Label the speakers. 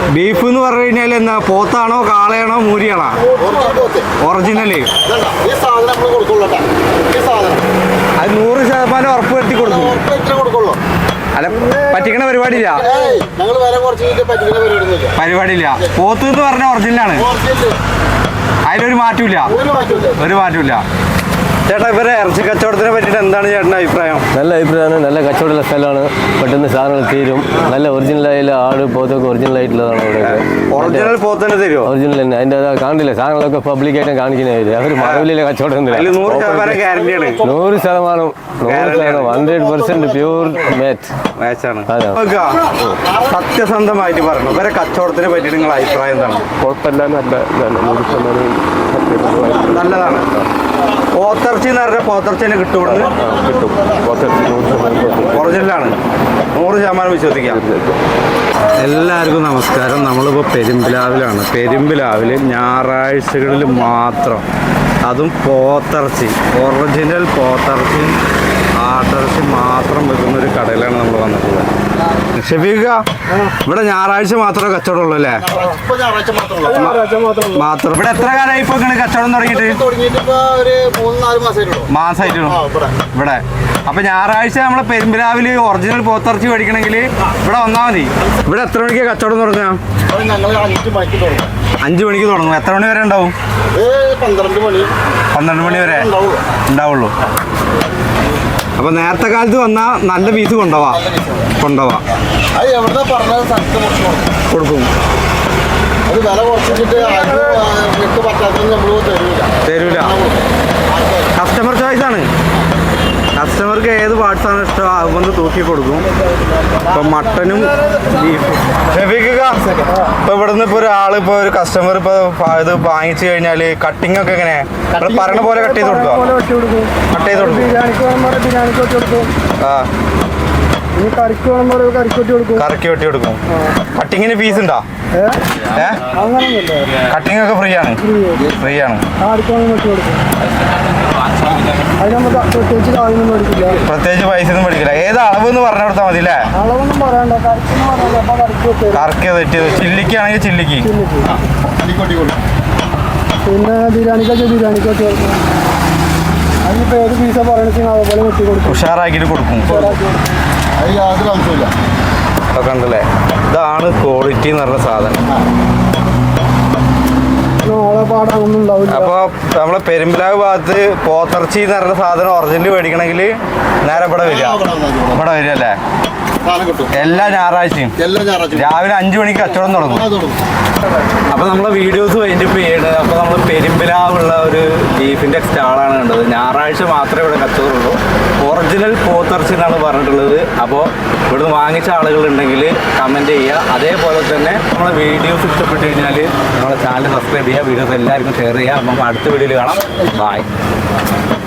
Speaker 1: Beef എന്ന് പറഞ്ഞു കഴിഞ്ഞാൽ എന്താ പോത്താണോ കാളയാണോ മൂരിയാണോ? ഒറിജിനല്. അത് 100% ഉറപ്പ് വരുത്തി കൊടുക്കും. അല്ല പറ്റിക്കണ പരിപാടിയില്ല. പരിപാടിയില്ല. പോത്ത് എന്ന് പറഞ്ഞ ഒറിജിനലാണ്. അതിലൊരു മാറ്റമില്ല. ഒരു മാറ്റമില്ല. ചേട്ടാ ഇവരെ ഇറച്ചി കച്ചവടത്തിനെ പറ്റിയിട്ട് എന്താണ് ചേട്ടൻ്റെ അഭിപ്രായം?
Speaker 2: നല്ല അഭിപ്രായമാണ്. നല്ല കച്ചവടമുള്ള സ്ഥലമാണ്. പെട്ടെന്ന് സാധനങ്ങൾ തീരും. നല്ല ഒറിജിനലായുള്ള ആട് പോത്തൊക്കെ ഒറിജിനൽ ആയിട്ടുള്ളതാണ് ഇവിടെ.
Speaker 1: ഒറിജിനൽ പോത്തന്നെ തരുമോ?
Speaker 2: ഒറിജിനൽ തന്നെ. അതിൻ്റെ കാണില്ല സാധനങ്ങളൊക്കെ പബ്ലിക്കായിട്ട് കാണിക്കുന്നവര്. അവർ മറവിലെ കച്ചവടം
Speaker 1: 100% ഗ്യാരണ്ടിയാണ്.
Speaker 2: 100% 100% പ്യൂർ
Speaker 1: മാച്ചാണ്. സത്യസന്ധമായിട്ട് പറഞ്ഞു ഇവരെ കച്ചവടത്തിനെ പറ്റിയിട്ട് നിങ്ങളുടെ അഭിപ്രായം എന്താണ്?
Speaker 2: കുഴപ്പമില്ല,
Speaker 1: നല്ലതാണ്. പോത്തിറച്ചി എന്ന് പറഞ്ഞാൽ പോത്തിറച്ചിനെ കിട്ടും. ഒറിജിനലാണ്. 100% വിശ്വസിക്കാം. എല്ലാവർക്കും നമസ്കാരം. നമ്മളിപ്പോൾ പെരുമ്പിലാവിലാണ്. പെരുമ്പിലാവിൽ ഞായറാഴ്ചകളിൽ മാത്രം, അതും പോത്തിറച്ചി, ഒറിജിനൽ പോത്തിറച്ചി ആട്ടിറച്ചി മാത്രം വെക്കുന്ന ഒരു കടയിലാണ് നമ്മൾ വന്നിട്ടുള്ളത്. ഷെഫീഖ, ഇവിടെ ഞായറാഴ്ച മാത്രമേ കച്ചവടം ഉള്ളൂ അല്ലേ? മാത്രം. ഇവിടെ എത്ര കാലമായി ഇപ്പൊ കച്ചവടം തുടങ്ങിയിട്ട്? മാസമായിട്ടുള്ളൂ ഇവിടെ. അപ്പൊ ഞായറാഴ്ച നമ്മളെ പെരുമ്പിലാവില് ഒറിജിനൽ പോത്തിറച്ചി മേടിക്കണമെങ്കിൽ ഇവിടെ വന്നാൽ മതി. ഇവിടെ എത്ര മണിക്ക് കച്ചവടം തുടങ്ങാ? 5 മണിക്ക് തുടങ്ങും. എത്ര മണി വരെ ഉണ്ടാവും? 12 മണി വരെ ഉണ്ടാവുള്ളൂ. അപ്പൊ നേരത്തെ കാലത്ത് വന്നാൽ നല്ല പീസ് കൊണ്ടുപോവാം. കൊടുക്കും. തരൂല. കസ്റ്റമർ ചോയ്സ് ആണ്. കസ്റ്റമർക്ക് ഏത് പാർട്സാണ് ഇഷ്ടം അതുകൊണ്ട് തൂക്കി കൊടുക്കും. ഇപ്പൊ മട്ടനും ബീഫും. ഇപ്പൊ ഇവിടുന്ന് ഇപ്പൊ ഒരാള് ഇപ്പൊ ഒരു കസ്റ്റമർ ഇപ്പൊ ഇത് വാങ്ങിച്ചു കഴിഞ്ഞാല് കട്ടിങ് ഒക്കെ എങ്ങനെ പറയണ പോലെ കട്ട് ചെയ്ത് കൊടുക്കുക? കട്ട് ചെയ്ത് കൊടുക്കും. കറക്കി വെട്ടി കൊടുക്കും. കട്ടിങ്ങിന് ഫീസ് ഉണ്ടോ? കട്ടിങ് ഒക്കെ ഫ്രീ ആണ്. പ്രത്യേകിച്ച് പൈസ ഒന്നും മേടിക്കില്ല. ഏത് അളവ് എന്ന് പറഞ്ഞു കൊടുത്താൽ മതി അല്ലേ? കറക്കി തെറ്റിയത്. ചില്ലിക്കാണെങ്കിൽ ചില്ലിക്ക്.
Speaker 3: പിന്നെ ബിരിയാണിക്കൊക്കെ അതിനിപ്പോൾ ഏത് പീസ പറയണെന്ന് അതുപോലെ വെട്ടി കൊടുക്കും.
Speaker 1: ഉഷാറാക്കിയിട്ട് കൊടുക്കും. അതൊക്കെ ഉണ്ടല്ലേ. ഇതാണ് ക്വാളിറ്റി എന്ന് പറഞ്ഞ സാധനം. അപ്പൊ നമ്മളെ പെരുമ്പിലാവ് ഭാഗത്ത് പോത്തിറച്ചി എന്ന് പറഞ്ഞ സാധനം ഒറിജിനൽ മേടിക്കണമെങ്കിൽ നേരെ ഇവിടെ വരിക അല്ലേ? എല്ലാ ഞായറാഴ്ചയും രാവിലെ 5 മണിക്ക് കച്ചവടം തുടങ്ങും. അപ്പൊ നമ്മളെ വീഡിയോസ് വൈൻഡപ്പ് ചെയ്യണത്. അപ്പൊ നമ്മൾ പെരുമ്പിലാവുള്ള ഒരു ബീഫിന്റെ സ്റ്റാളാണ് കണ്ടത്. ഞായറാഴ്ച മാത്രമേ ഇവിടെ കച്ചവടമുള്ളൂ. ഒറിജിനൽ പോത്തിറച്ചി എന്നാണ് പറഞ്ഞിട്ടുള്ളത്. അപ്പോൾ ഇവിടുന്ന് വാങ്ങിച്ച ആളുകളുണ്ടെങ്കിൽ കമന്റ് ചെയ്യുക. അതേപോലെ തന്നെ നമ്മളെ വീഡിയോസ് ഇഷ്ടപ്പെട്ട് കഴിഞ്ഞാൽ നമ്മളെ ചാനൽ സബ്സ്ക്രൈബ് ചെയ്യുക. വീഡിയോസ് എല്ലാവർക്കും ഷെയർ ചെയ്യുക. അപ്പം അടുത്ത വീഡിയോയിൽ കാണാം. ബൈ.